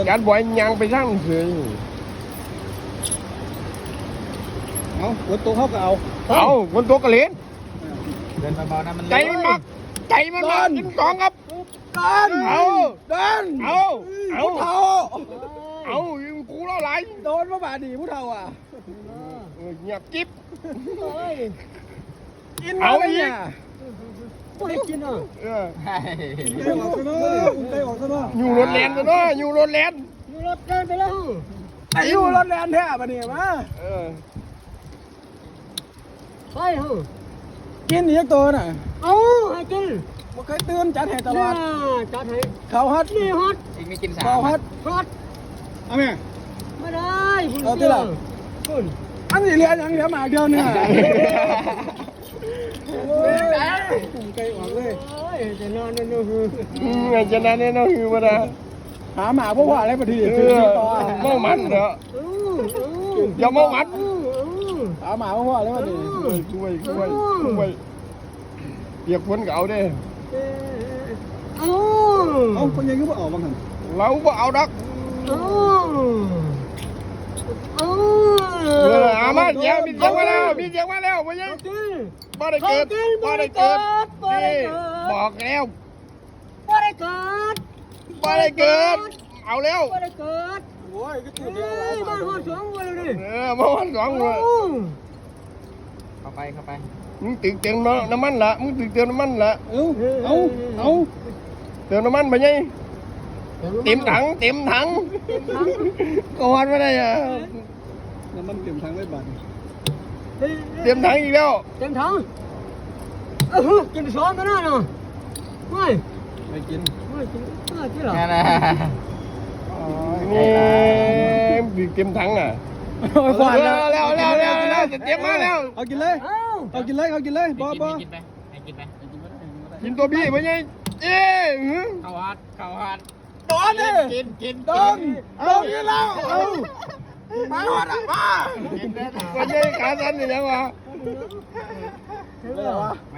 การบ่อยยังไปทั้งเฉยเอาคนตัวเขาก็เอาเอาคนตัวกระเล่นเดินเบาๆนะมันใจมันมักใจมันมักกินกองครับเดินเอาเดินเอาเอาผู้เฒ่าเอากูเล่าไหลโดนมาบาดนีผู้เฒ่าอ่ะเงียบกิ๊บกินเอามาอีกเนี่ยไม่ได้กินอ่ะเออไปออกซะเนาะไปออกซะเนาะอยู่รถแลนด์ตัวเนาะอยู่รถแลนด์อยู่รถเดินไปแล้วไอ้อยู่รถแลนแท้ปะเนี่ยมาเออไปเถอะกินอีกตัวน่ะเอาให้กินบ่เคยตื่นจัดให้ตลอดจัดให้เขาฮัดนี่ฮอตอีกไม่กินสาเขามฮัดฮอตเอาแม่ไม่ได้คุณเอาที่หลังคุณอันนี้เรียนยังเหลือหมากเดียวเนี่ยโอ้ยไกลออกเลยโอ้ยจะนอนนั่นนู่นไงจะนั่นเนี่ยน้องคือมาดาหาหมาพวกว่าอะไรปะทีเอคืออต่อเมามันเถอะ อย่าเมามันหาหมาพวกว่าอะไรปะทีช่วยเปียกฝนก็เอาเด้เอาเอาคนยังก็บ่ออกบ้างหันเราบ่เอาดักเอาเอาเอามาเดี๋ยวมีเสียงมาแล้วมีเสียงมาแล้วบ่ยังบ่ได้เกิดบ่ได้เกิดนี่บอกแล้วบ่ได้เกิดบ่ได้เกิดเอาแล้วบ่ได้เกิดโอ้ยก็ตื่นเฮ้ยบ้านฮอดสองวันเลยเออมาวันสองเลยเข้าไปมึงตึกเติมน้ำมันละมึงตึกเติมน้ำมันละเอาเติมน้ำมันไปยังเต็มถังก็วัดไม่ได้อะน้ำมันเต็มทางไว้บัดเต็มถังอีกแล้วเต็มถังกินสองกันนะเนาะไม่ไม่กินไม่กินไม่กินหรอนั่นนะนี่ตึกเต็มถังอ่ะก่อนแล้วจะเตรียมมาแล้วเอากินเลย เอากินเลยบ่กินไปให้กินไปกินตัวบี้ไปยังเอ๊ะเข้าฮัดโดนดิกินโดนนี่แล้วเอามาหอดอ่ะมากินได้ไปยังขาสั้นอย่างวะมา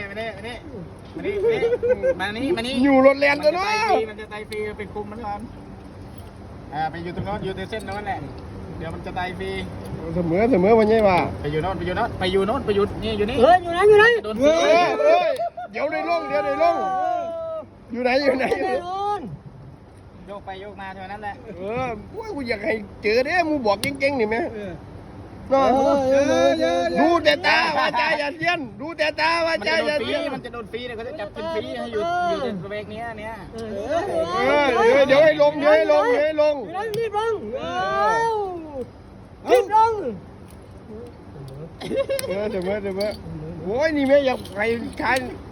นี่อยู่รถแลนตัวเนาะมันจะไตฟรีไปคุมมันก่อนไปอยู่ตรงโน้นอยู่ในเส้นโน้นแหละเดี๋ยวมันจะไตฟรีเสมอไปยังวะไปอยู่โน้นนี่อยู่นี่เฮ้ยอยู่ไหนอยู่ไหนโดนเฮ้ยเดี๋ยวได้ลงอยู่ไหนโยกไปโยกมาเท่านั้นแหละกูอยากให้เจอเด้มึงบอกเก่งๆนี่ไหมเนาะดูแต่ตาว่าใจอย่าเย็นดูแต่ตาว่าใจอย่าเย็นมันจะโดนฟรีเนี่ยเขาจะจับกินฟรีให้อยู่ในสเปกนี้เนี่ยเดี๋ยวให้ลงอยู่ไหนรีบลงรีบลงเสมอโอ้ยนี่แม่อยากใคร